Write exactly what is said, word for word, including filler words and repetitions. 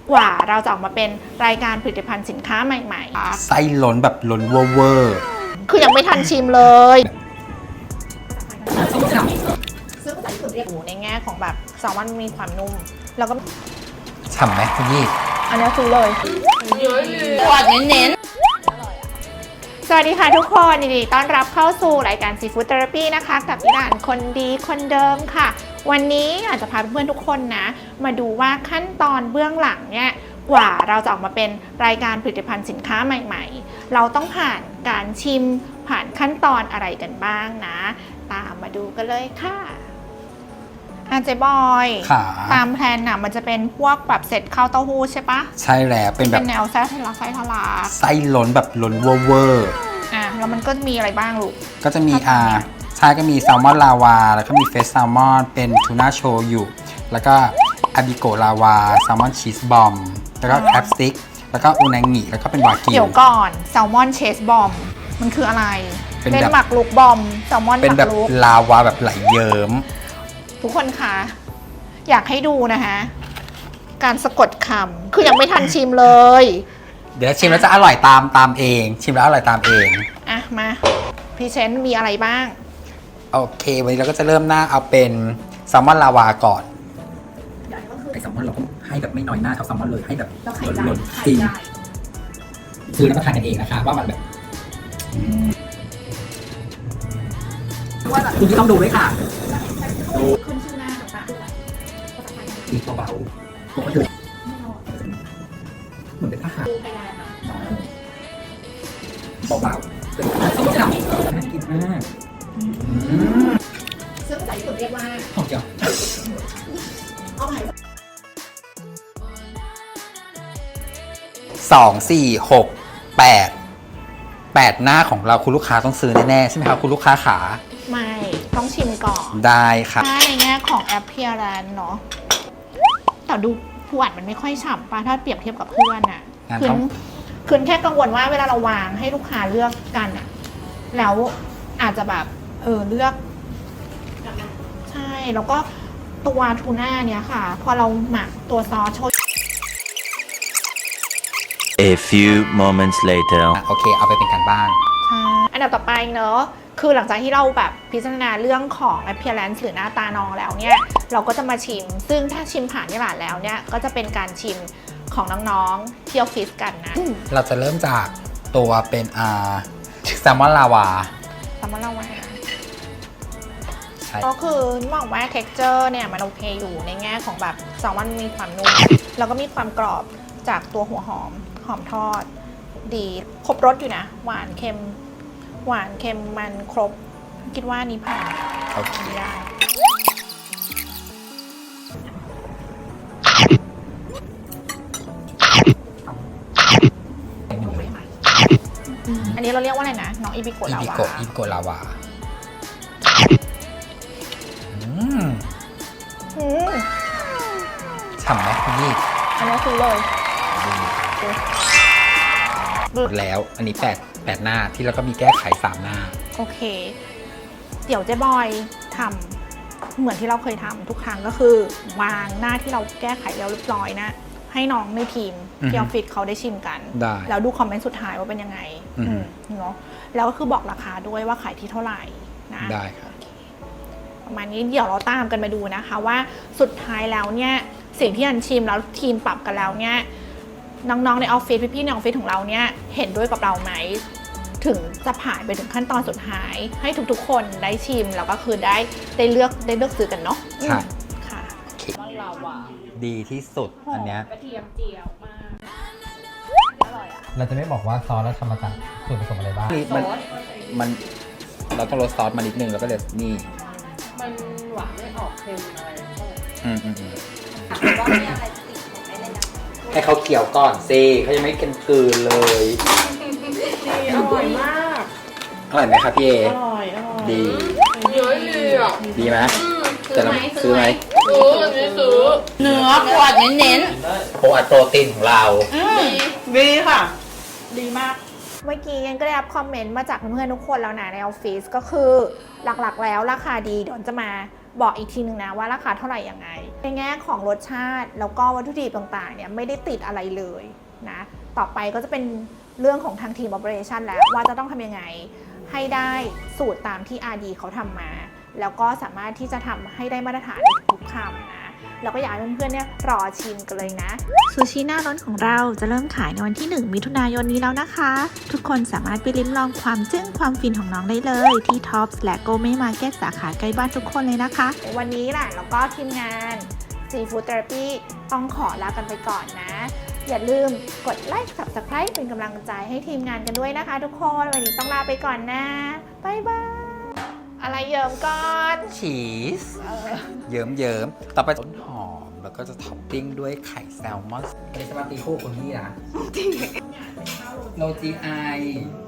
กว่าเราจะออกมาเป็นรายการผลิตภัณฑ์สินค้าใหม่ๆไส้ล้นแบบล้นเวอร์คือยังไม่ทันชิมเลยซึ่งภาษาญี่ปุ่นเรียกในแง่ของแบบแซลมอนมีความนุ่มแล้วก็ฉ่ำไหมคุณยี่อันนี้ซื้อเลยหวานเน้นๆสวัสดีค่ะทุกคนยินดีต้อนรับเข้าสู่รายการ Seafood Therapy นะคะกับพี่หลานคนดีคนเดิมค่ะวันนี้อยากจะพาเพื่อนๆทุกคนนะมาดูว่าขั้นตอนเบื้องหลังเนี่ยกว่าเราจะออกมาเป็นรายการผลิตภัณฑ์สินค้าใหม่ๆเราต้องผ่านการชิมผ่านขั้นตอนอะไรกันบ้างนะตามมาดูกันเลยค่ะอาเจบอยตามแพลนน่ะมันจะเป็นพวกแบบเสร็จข้าวเต้าหู้ใช่ปะใช่แล้วเป็นแบบเป็นแนวไส้ทะลักไส้ทะลักไส้ล้นแบบล้นเวอร์อ่ะแล้วมันก็มีอะไรบ้างลูกก็จะมีอ่าใช่ก็มีแซลมอนลาวาแล้วก็มีเฟสแซลมอนเป็นทูน่าโชยุแล้วก็อาบิโกลาวาแซลมอนชีสบอมแล้วก็แคปสติ๊กแล้วก็อูนางิแล้วก็เป็นวากิวเดี๋ยวก่อนแซลมอนเชสบอมมันคืออะไรเป็นหมักลูกบอมแซลมอนเป็นแบบลาวาแบบไหลเยิ้มทุกคนคะอยากให้ดูนะคะการสะกดคำคือยังไม่ทันชิมเลยเดี๋ยวชิมแล้วจะอร่อยตามตามเองชิมแล้วอร่อยตามเองอ่ะมาพรีเซนต์มีอะไรบ้างโอเควันนี้เราก็จะเริ่มหน้าเอาเป็นแซลมอนลาวาก่อนไอแซลมอนเราให้แบบไม่น้อยหน้าเท่าแซลมอนเลยให้แบบหล่นๆจริงซื้อแล้วก็ทานกันเองนะคะว่ามันแบบคุณที่ต้องดูด้วยค่ะดูขึ้นชื่อหน้าต่างๆดีเบาๆปกติเหมือนเป็นทหารเบาๆเป็นฉ่ำน่ากินมากซึ่งภาษาญี่ปุ่นเรียกว่าหอมเจียวเอาใหม่สองสี่หกแปดแปดหน้าของเราคุณลูกค้าต้องซื้อแน่ๆใช่ไหมครับคุณลูกค้าขาไม่ต้องชิมก่อนได้ครับถ้าในแง่ของ appearance เนาะแต่ดูผู้อ่านมันไม่ค่อยฉ่ำป่ะถ้าเปรียบเทียบกับเพื่อนน่ะคือคือแค่กังวลว่าเวลาเราวางให้ลูกค้าเลือกกันอ่ะแล้วอาจจะแบบเออเลือกใช่แล้วก็ตัวทูน่าเนี้ยค่ะพอเราหมักตัวซอสโชย A few moments later โอเคเอาไปเป็นการบ้านใช่อันดับต่อไปเนอะคือหลังจากที่เราแบบพิจารณาเรื่องของ appearance หรือหน้าตาน้องแล้วเนี่ยเราก็จะมาชิมซึ่งถ้าชิมผ่านที่ร้านแล้วเนี่ยก็จะเป็นการชิมของน้องๆที่ออฟฟิศกันนะเราจะเริ่มจากตัวเป็นอ่าแซลมอนลาวาแซลมอนลาวาก็คือมองว่า texture เนี่ยมันโอเคอยู่ในแง่ของแบบแซลมอนมีความนุ่มแล้วก็มีความกรอบจากตัวหัวหอมหอมทอดดีครบรสอยู่นะหวานเค็มหวานเค็มมันครบคิดว่านี้ผ่านโอเคได้อันนี้เราเรียกว่าอะไรนะน้องอิบิโกะลาวาอิบิโกะลาวาฉ่ำไหมคุณยี่อันนี้คือเลยหมดแล้วอันนี้แปดแปดหน้าที่แล้วก็มีแก้ไขสามหน้าโอเคเดี๋ยวเจ๊บอยทำเหมือนที่เราเคยทำทุกครั้งก็คือวางหน้าที่เราแก้ไขแล้วเรียบร้อยนะให้น้องในทีมที่ออฟฟิศเขาได้ชิมกันแล้วดูคอมเมนต์สุดท้ายว่าเป็นยังไงเนาะแล้วก็คือบอกราคาด้วยว่าขายที่เท่าไหร่นะได้ครับประมาณนี้เดี๋ยวเราตามกันมาดูนะคะว่าสุดท้ายแล้วเนี่ยสิ่งที่อันชิมแล้วทีมปรับกันแล้วเนี่ยน้องๆในออฟฟิศพี่ๆในออฟฟิศของเราเนี่ยเห็นด้วยกับเราไหมถึงจะผ่านไปถึงขั้นตอนสุดท้ายให้ทุกๆคนได้ชิมแล้วก็คือได้ได้เลือกได้เลือกซื้อกันเนาะใช่ค่ะดีที่สุดอันเนี้ยกระเทียมเจียวมากอร่อยอ่ะเราจะไม่บอกว่าซอสเราทำมาจากส่วนผสมอะไรบ้างมันมันเราต้องลดซอสมานิดนึงแล้วก็เดี๋ยวนี่มันหวานไม่ออกเค็มอะไรอืมอืมอืมว่ามีอะไรติดผมได้เลยนะให้เขาเคี่ยวก่อนสิเขายังไม่กินกืนเลยอร่อยมากอร่อยไหมครับพี่เออร่อยอร่อยดีเยอะดีอ่ะดีไหมจะซื้อไหมซื้ออันนี้ซื้อเนื้อขวดเน้นๆโปรโปรตีนของเราดีค่ะดีมากเมื่อกี้ยังก็ได้รับคอมเมนต์มาจากเพื่อนๆทุกคนแล้วนะในออฟฟิศก็คือหลักๆแล้วราคาดีเดี๋ยวจะมาบอกอีกทีนึงนะว่าราคาเท่าไหร่ยังไงในแง่ของรสชาติแล้วก็วัตถุดิบต่างๆเนี่ยไม่ได้ติดอะไรเลยนะต่อไปก็จะเป็นเรื่องของทางทีม Operation แล้วว่าจะต้องทำยังไงให้ได้สูตรตามที่ อาร์ ดี เขาทำมาแล้วก็สามารถที่จะทำให้ได้มาตรฐานในทุกคำนะแล้วก็อยากให้เพื่อนๆเนี่ยรอชิมกันเลยนะซูชิหน้าร้อนของเราจะเริ่มขายในวันที่หนึ่งมิถุนายนนี้แล้วนะคะทุกคนสามารถไปลิ้มลองความจึ้งความฟินของน้องได้เลยที่ Tops และ Gourmet Market สาขาใกล้บ้านทุกคนเลยนะคะวันนี้แหละแล้วก็ทีมงาน Seafood Therapy ต้องขอลากันไปก่อนนะอย่าลืมกดไลค์ Subscribe เป็นกำลังใจให้ทีมงานกันด้วยนะคะทุกคนวันนี้ต้องลาไปก่อนนะบ๊ายบายอะไรเยิ้มก่อนชีสเยิ้มเยิ้มๆต่อไปต้นหอมแล้วก็จะท็อปปิ้งด้วยไข่แซลมอนในสมาร์ติโคคนนี้นะโรจีไอ